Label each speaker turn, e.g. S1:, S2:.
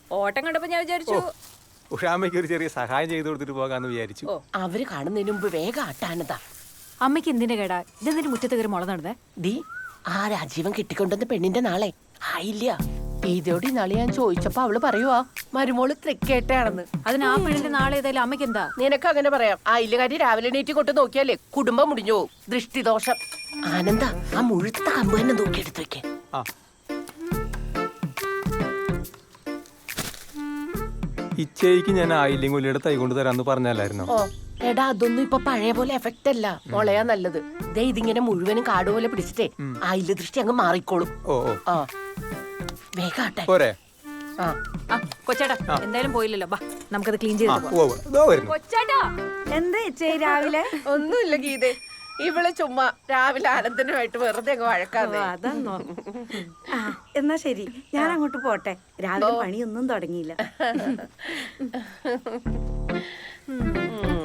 S1: ഓട്ടം കണ്ടപ്പോ ഞാൻ വിചാരിച്ചു
S2: ഉഷാമ്മയ്ക്ക് ഒരു ചെറിയ സഹായം ചെയ്തു കൊടുത്തിട്ട് പോകാന്ന് വിചാരിച്ചു.
S3: അവര് കാണുന്നതിന് മുമ്പ് വേഗം ആട്ടാനതാ.
S1: അമ്മയ്ക്ക് എന്തിന്റെ കേടാ ഇതെന്തിന് മുറ്റത്ത് കയറി മുള നടന്നേ?
S3: ദീ ആ രാജീവൻ കിട്ടിക്കൊണ്ടുവന്ന പെണ്ണിന്റെ നാളെ ആയില്ല. ഇതോട് നാളെ ഞാൻ ചോദിച്ചപ്പോ അവള് പറയുവാ മരുമോള് തൃക്കേട്ടയാണെന്ന്.
S1: അതിന് ആ പെണ്ണിന്റെ നാളെ ഏതായാലും അമ്മയ്ക്ക് എന്താ?
S3: നിനക്ക് അങ്ങനെ പറയാം. ആയില്ലകാരി രാവിലെ എണീറ്റ് കൊണ്ട് നോക്കിയാലേ കുടുംബം മുടിഞ്ഞു പോവും. ദൃഷ്ടിദോഷം. ആനന്ദ ആ മുഴുത്ത കമ്പ് തന്നെ നോക്കിയെടുത്ത് വെക്കേ.
S2: ഇച്ചയ്ക്ക് ഞാൻ ആയില്ലെങ്കിൽ ഉള്ളിയുടെ തൈ കൊണ്ട് തരാന്ന് പറഞ്ഞല്ലായിരുന്നോ?
S3: ഓ എടാ അതൊന്നും ഇപ്പൊ പഴയ പോലെ എഫക്റ്റ് അല്ല. മുളയാ നല്ലത്. ദേ ഇതിങ്ങനെ മുഴുവനും കാട് പോലെ പിടിച്ചിട്ടേ ആയില്ല ദൃഷ്ടി അങ്ങ് മാറിക്കോളും. ആ വേഗാട്ടെ
S2: പോരെ?
S1: കൊച്ചേട്ടാ എന്തായാലും പോയില്ലല്ലോ, ബാ നമുക്കത് ക്ലീൻ ചെയ്ത്. കൊച്ചേട്ടാ
S4: എന്താ ചേച്ചി രാവിലെ?
S3: ഒന്നുമില്ല ഗീതേ, ഇവള് ചുമ്മാ രാവിലെ ആനന്ദനുമായിട്ട് വെറുതെ അങ്ങ് വഴക്കാതെ.
S4: അതെന്നോ? എന്നാ ശരി, ഞാൻ അങ്ങോട്ട് പോട്ടെ. രാവിലെ പണിയൊന്നും തുടങ്ങിയില്ല.